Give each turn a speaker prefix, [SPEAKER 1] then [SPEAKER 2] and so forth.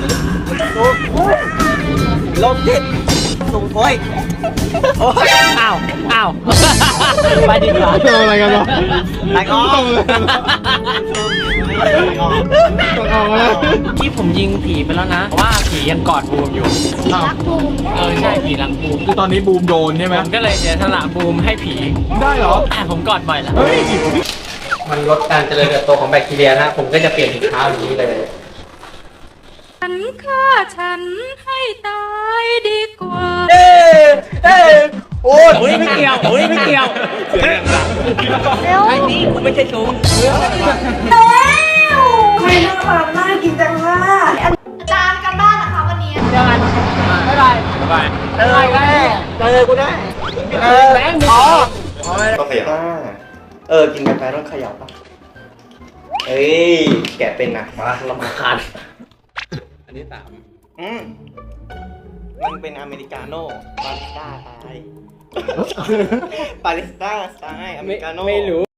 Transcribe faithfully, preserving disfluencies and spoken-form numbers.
[SPEAKER 1] ลมจิตสูงโอยโอ้ย
[SPEAKER 2] อ้าวอ้าวไปดีกว่า
[SPEAKER 3] ทำอะไรกันวะ
[SPEAKER 1] ตายกอง
[SPEAKER 3] ทำอะไรกันวะต้องเอาแล้ว
[SPEAKER 2] ที่ผมยิงผีไปแล้วนะเพราะว่าผียังกอดบูมอยู่
[SPEAKER 4] รักบูม
[SPEAKER 2] เออใช่ผีรักบูม
[SPEAKER 3] คือตอนนี้บูมโดนใช่ไหม
[SPEAKER 2] ผมก็เลยเสียสละบูมให้ผี
[SPEAKER 3] ได้เหรอ
[SPEAKER 2] แต่ผมกอดบ่อยแล้ว
[SPEAKER 3] เฮ้ย
[SPEAKER 2] มันลดการเจริญเติบโตของแบคทีเรียนะผมก็จะเปลี่ยนถุงเท้าอย่างนี้เลย
[SPEAKER 4] ฉันฆ่าฉันให้ตายดีกว่า
[SPEAKER 1] เอ้ยเอ้ยโอ้ย
[SPEAKER 2] โอ้ยไม่เกี่ยวโอ้ยไม่เกี่ยว
[SPEAKER 4] เร็ว
[SPEAKER 1] ไอ้นี่กูไม่ใช่ชู
[SPEAKER 4] เร็วไม่น่ารักน่ากินจังว่าอาจารย์กันบ้านนะคะวันนี้
[SPEAKER 2] เจอกันบ๊ายบายบ๊ายบาย
[SPEAKER 1] เออได้เจอกูได้เออแบงค์อ๋อต้องขยับเออกินกาแฟต้องขยับป่ะเฮ้ยแกะเป็นนะมาละมาคาน
[SPEAKER 2] อันนี้สาม
[SPEAKER 1] อืมมันเป็นอเมริกาโน่บาริสต้าตายบาริสต้าตายอเมริกาโน่
[SPEAKER 2] ไม่รู้